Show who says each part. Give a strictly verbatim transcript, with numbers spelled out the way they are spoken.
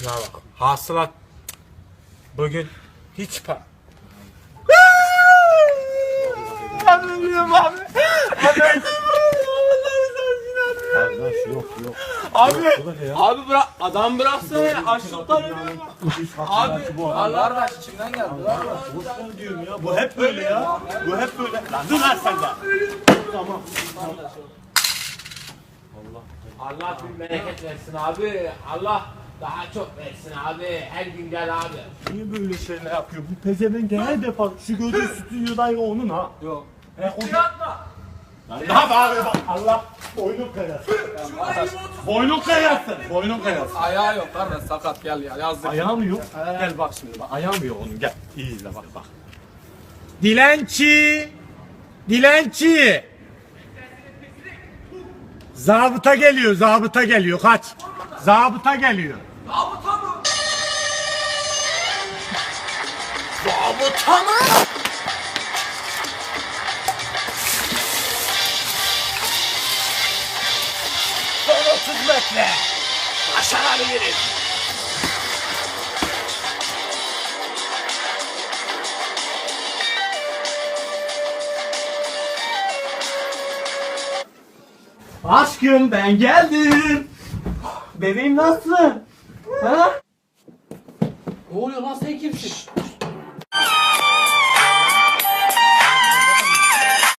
Speaker 1: Şuna bak. Hasılat bugün hiç pa... Ben ölüyorum abi. Abi
Speaker 2: Kardeş yok yok.
Speaker 1: Abi,
Speaker 2: ya.
Speaker 1: abi bırak, adam bıraksana ya, açlıktan ölüyorum. Abi, Allah
Speaker 3: Kardeş içimden geldi.
Speaker 2: Boşver diyorum ya. Bu hep böyle ya. Bu hep böyle. Lan dur lan sen de. Tamam.
Speaker 1: Allah bin bereket versin abi. Allah daha çok versin abi. Her gün gel abi.
Speaker 2: Niye böyle şeyler yapıyor? Bu pezevenk her defa şu gözü stüdyodaydı onun ha.
Speaker 3: Yok.
Speaker 2: He o
Speaker 1: Yatma.
Speaker 2: Lan ne yapıyor bak Allah boynun kayasın. Boynun kayasın. Boynun kayasın.
Speaker 3: Ayağı yok kardeş sakat gel ya yazdık.
Speaker 2: Ayağı mı yok? Gel bak şimdi bak. Ayağı mı yok onun? Gel. İyi izle bak bak.
Speaker 1: Dilenci. Dilenci. Zabıta geliyor, zabıta geliyor. Kaç. Zabıta geliyor.
Speaker 3: Zabıta mı?
Speaker 1: Zabıta mı? Son otuz metre. Başarabiliriz.
Speaker 2: Aşkım ben geldim. Bebeğim nasılsın? Ha?
Speaker 3: Ne oluyor lan sen kimsin?